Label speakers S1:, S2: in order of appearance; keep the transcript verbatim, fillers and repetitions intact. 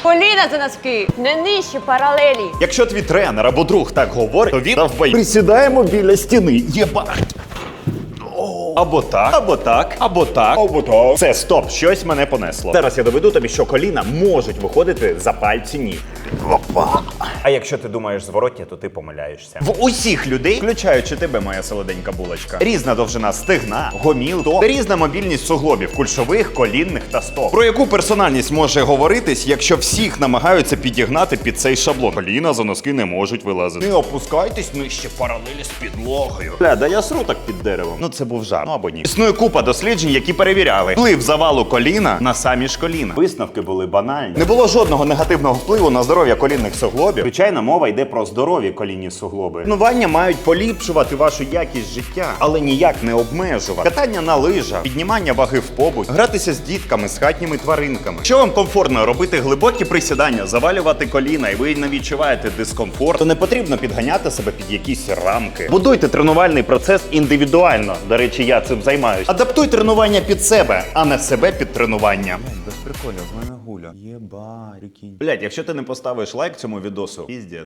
S1: Коліна за носки, не нижче паралелі.
S2: Якщо твій тренер або друг так говорить, то він навбай. Присідаємо біля стіни. Єбать. Або так, або так, або так, або так. Це стоп, щось мене понесло. Зараз я доведу тобі, що коліна можуть виходити за пальці ніг. Опа. А якщо ти думаєш зворотні, то ти помиляєшся. В усіх людей, включаючи тебе, моя солоденька булочка, різна довжина стегна, гоміл, топ, різна мобільність суглобів, кульшових, колінних та стоп. Про яку персональність може говоритись, якщо всіх намагаються підігнати під цей шаблон? Коліна за носки не можуть вилазити. Не опускайтесь нижче паралелі з підлогою. Бля, да я сру так під деревом. Ну це був жарт. Ну або ні. Існує купа досліджень, які перевіряли вплив завалу коліна на самі ж коліна. Висновки були банальні. Не було жодного негативного впливу на здоров'я колінних суглобів. Звичайно, мова йде про здорові колінні суглоби. Тренування мають поліпшувати вашу якість життя, але ніяк не обмежувати. Катання на лижах, піднімання ваги в побуті, гратися з дітками, з хатніми тваринками. Якщо вам комфортно робити глибокі присідання, завалювати коліна, і ви не відчуваєте дискомфорт, то не потрібно підганяти себе під якісь рамки. Будуйте тренувальний процес індивідуально. До речі, я цим займаюсь. Адаптуй тренування під себе, а не себе під тренування.
S3: Без приколів, в мене гуля. Єба, прикинь.
S2: Блять, якщо ти не поставиш лайк цьому відосу, піздець.